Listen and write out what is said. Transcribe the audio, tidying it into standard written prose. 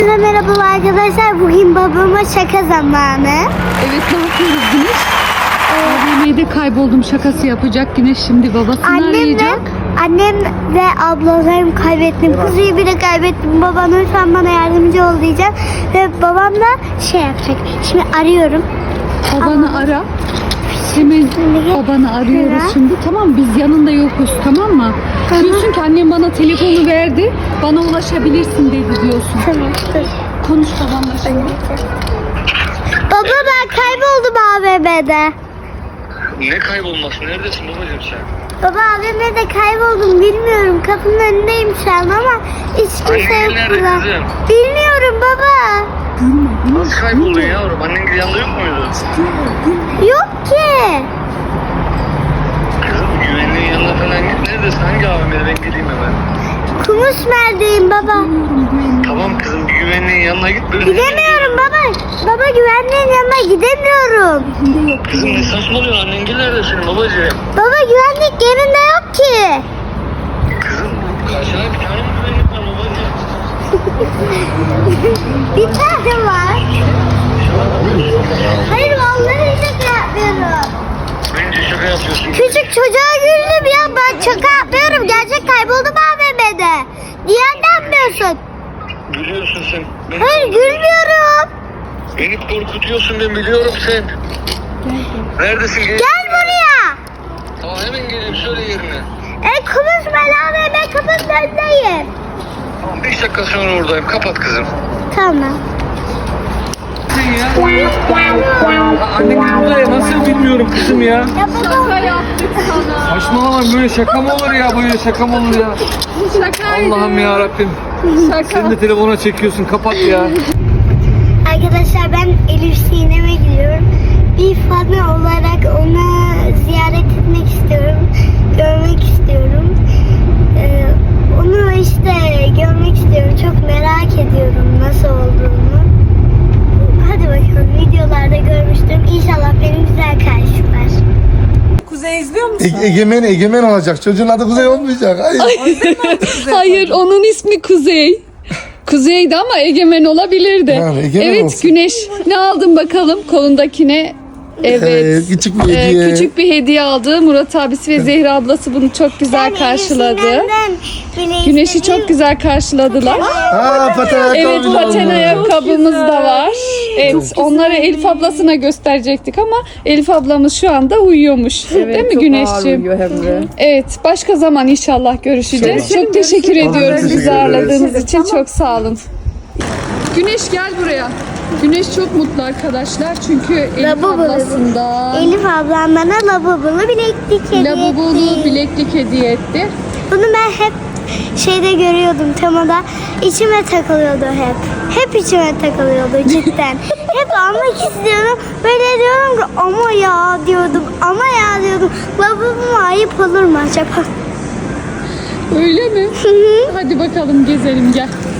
Merhaba arkadaşlar. Bugün babama şaka zamanı. Evet, ne yapıyoruz Güneş? AVM'de kayboldum şakası yapacak Güneş, şimdi babasını arayacak. Annem ve ablalarım kaybettim. Kuzuyu bile kaybettim. Babam lütfen bana yardımcı ol diyeceğim. Ve babam da şey yapacak. Şimdi arıyorum. Babanı ara. Hemen babanı arıyoruz şimdi. Tamam, biz yanında yokuz, tamam mı? Diyorsun ki annem bana telefonu verdi, bana ulaşabilirsin dedi diyorsun. Tamam. Dur. Konuş babanla şimdi. Baba ben kayboldum AVM'de. Ne kaybolması? Neredesin babacığım sen? Baba AVM'de kayboldum. Bilmiyorum. Kapının önündeyim şu an ama hiç kimse Annen yok nerede burada. kızım? Bilmiyorum baba. Nasıl kayboldun yavrum? Annen yanında yok muydu? Yok ki. Kızım güvenliğin yanına falan git. Neredesin? Hangi AVM'de? Ben geleyim hemen. Kumusmer'deyim baba. Tamam kızım, bir güvenliğin yanına git. Böyle Gidemiyorum baba. Baba güvenliğin yanına gidemiyorum. Kızım ne saçmalıyorsun? Annen nerede senin babacığım? Baba güvenlik yerinde yok ki. Kızım karşına bir tane mi güvenlik var babacığım? Bir tane var. Hayır vallahi şaka yapmıyorum. Bence şaka yapıyorsun. Küçük çocuğa güldüm ya, ben şaka yapmıyorum. Gerçek kayboldum AVM'de. Niye anlamıyorsun? Gülüyorsun sen. Hayır gülmüyorum. Beni korkutuyorsun, ben biliyorum sen. Neredesin? Gel buraya. Tamam hemen geleyim, söyle yerine. Kumusmer AVM kapının önündeyim. Tamam 5 dakika sonra oradayım. Kapat kızım. Tamam. Anne burada ya, nasıl bilmiyorum kızım ya. Ya baba. Şaka yaptık sana. Saçmalama, böyle şaka mı olur ya, böyle şaka mı olur ya. Şakaydı. Allah'ım ya Rabbim. Şaka. Sen de telefona çekiyorsun, kapat ya. Arkadaşlar ben Elif Sinem'e gidiyorum. Bir fanı olarak ona ziyaret etmek istiyorum. Görmek istiyorum. Onu işte görmek istiyorum. Çok merak ediyorum nasıl olduğunu. Hadi bakalım, videolarda görmüştüm. İnşallah beni güzel karşılar. Kuzey izliyor musun? Egemen olacak. Çocuğun adı Kuzey olmayacak. Hayır. Hayır, onun ismi Kuzey. Kuzey'di ama Egemen olabilirdi. Yani Egemen evet olsun. Güneş, ne aldın bakalım kolundakine? Evet. Küçük bir hediye. Küçük bir hediye aldı. Murat abisi ve Zehra ablası bunu çok güzel karşıladı. Güneş'i çok güzel karşıladılar. Paten ayakkabı Evet, bile paten oldu. ayakkabımız da var. Evet, onları Elif ablasına gösterecektik ama Elif ablamız şu anda uyuyormuş. Değil mi Güneşciğim? Evet, başka zaman inşallah görüşeceğiz. Çok teşekkür ediyoruz teşekkür bizi ederiz. ağırladığınız için. Çok sağ olun. Güneş gel buraya. Güneş çok mutlu arkadaşlar çünkü Elif Lavabolu. ablasından Elif ablam bana lavabolu bileklik hediye lavabolu etti. bileklik hediye etti. Bunu ben hep şeyde görüyordum, temada. İçime takılıyordu hep. Hep içime takılıyordu cidden. Hep almak istiyordum. Böyle diyorum ki ama ya diyordum. Ama ya diyordum. Lavaboma ayıp olur mu acaba? Öyle mi? Hadi bakalım gezelim gel.